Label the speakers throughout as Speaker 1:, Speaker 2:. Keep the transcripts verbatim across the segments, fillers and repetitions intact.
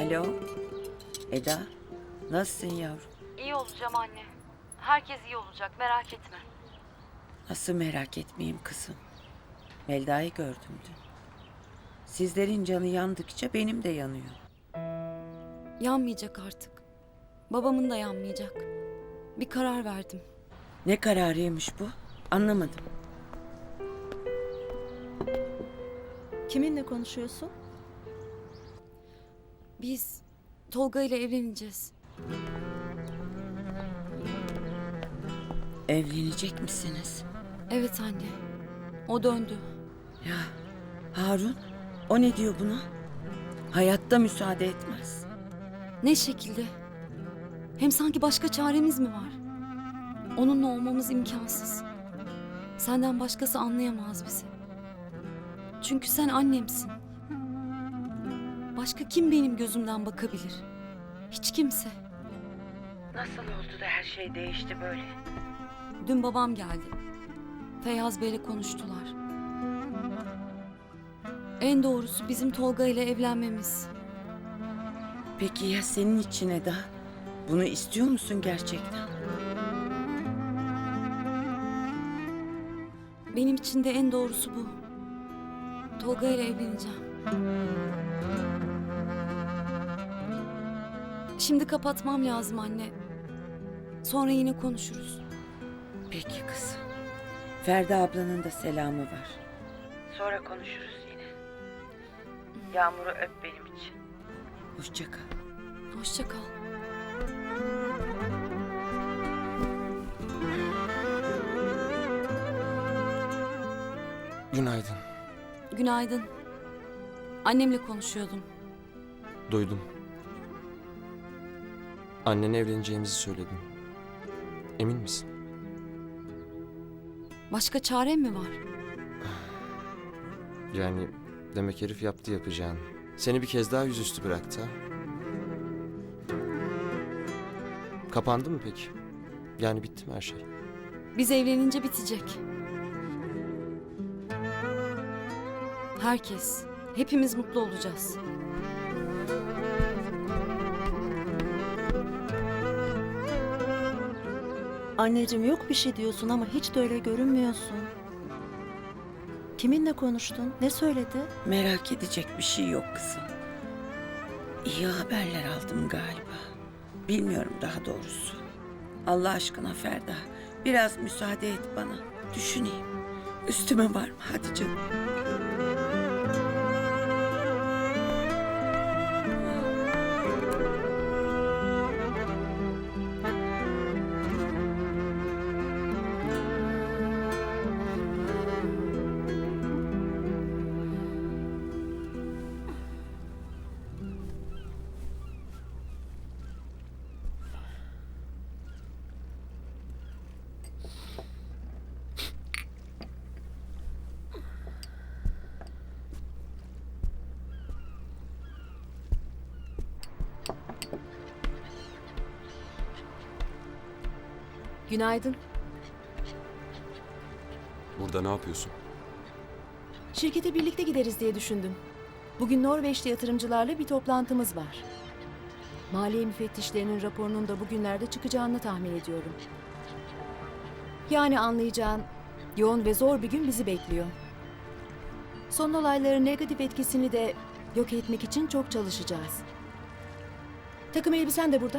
Speaker 1: Alo, Eda, nasılsın yavrum?
Speaker 2: İyi olacağım anne. Herkes iyi olacak, merak etme.
Speaker 1: Nasıl merak etmeyeyim kızım? Melda'yı gördüm dün. Sizlerin canı yandıkça benim de yanıyor.
Speaker 2: Yanmayacak artık. Babamın da yanmayacak. Bir karar verdim.
Speaker 1: Ne kararıymış bu? Anlamadım.
Speaker 3: Kiminle konuşuyorsun?
Speaker 2: Biz Tolga ile evleneceğiz.
Speaker 1: Evlenecek misiniz?
Speaker 2: Evet anne. O döndü.
Speaker 1: Ya Harun, o ne diyor buna? Hayatta müsaade etmez.
Speaker 2: Ne şekilde? Hem sanki başka çaremiz mi var? Onunla olmamız imkansız. Senden başkası anlayamaz bizi. Çünkü sen annemsin. Başka kim benim gözümden bakabilir? Hiç kimse.
Speaker 1: Nasıl oldu da her şey değişti böyle?
Speaker 2: Dün babam geldi. Feyyaz Bey'le konuştular. En doğrusu bizim Tolga ile evlenmemiz.
Speaker 1: Peki ya senin için Eda? Bunu istiyor musun gerçekten?
Speaker 2: Benim için de en doğrusu bu. Tolga ile evleneceğim. Şimdi kapatmam lazım anne. Sonra yine konuşuruz.
Speaker 1: Peki kızım. Ferda ablanın da selamı var. Sonra konuşuruz yine. Yağmur'u öp benim için. Hoşça kal.
Speaker 2: Hoşça kal.
Speaker 4: Günaydın.
Speaker 2: Günaydın. Annemle konuşuyordum.
Speaker 4: Duydum. Annene evleneceğimizi söyledim. Emin misin?
Speaker 2: Başka çarem mi var?
Speaker 4: Yani demek herif yaptı yapacağını. Seni bir kez daha yüzüstü bıraktı ha? Kapandı mı peki? Yani bitti mi her şey?
Speaker 2: Biz evlenince bitecek. Herkes, hepimiz mutlu olacağız.
Speaker 3: Anneciğim yok bir şey diyorsun ama hiç de öyle görünmüyorsun. Kiminle konuştun? Ne söyledi?
Speaker 1: Merak edecek bir şey yok kızım. İyi haberler aldım galiba. Bilmiyorum daha doğrusu. Allah aşkına Ferda, biraz müsaade et bana. Düşüneyim. Üstüme var mı? Hadi canım.
Speaker 5: Günaydın.
Speaker 6: Burada ne yapıyorsun?
Speaker 5: Şirkete birlikte gideriz diye düşündüm. Bugün Norveçli yatırımcılarla bir toplantımız var. Maliye müfettişlerinin raporunun da bugünlerde çıkacağını tahmin ediyorum. Yani anlayacağın yoğun ve zor bir gün bizi bekliyor. Son olayların negatif etkisini de yok etmek için çok çalışacağız. Takım elbisen de burada.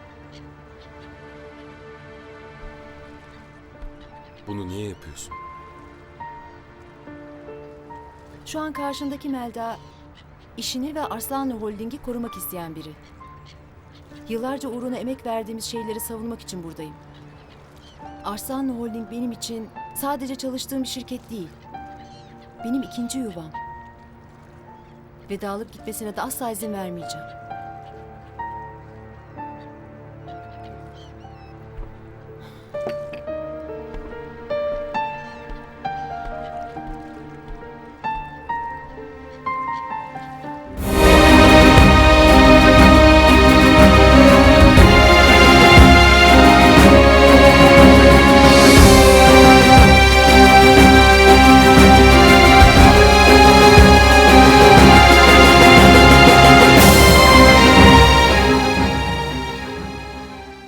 Speaker 6: Bunu niye yapıyorsun?
Speaker 5: Şu an karşındaki Melda, işini ve Arslanlı Holding'i korumak isteyen biri. Yıllarca uğruna emek verdiğimiz şeyleri savunmak için buradayım. Arslanlı Holding benim için sadece çalıştığım bir şirket değil. Benim ikinci yuvam. Ve dağılıp gitmesine de asla izin vermeyeceğim.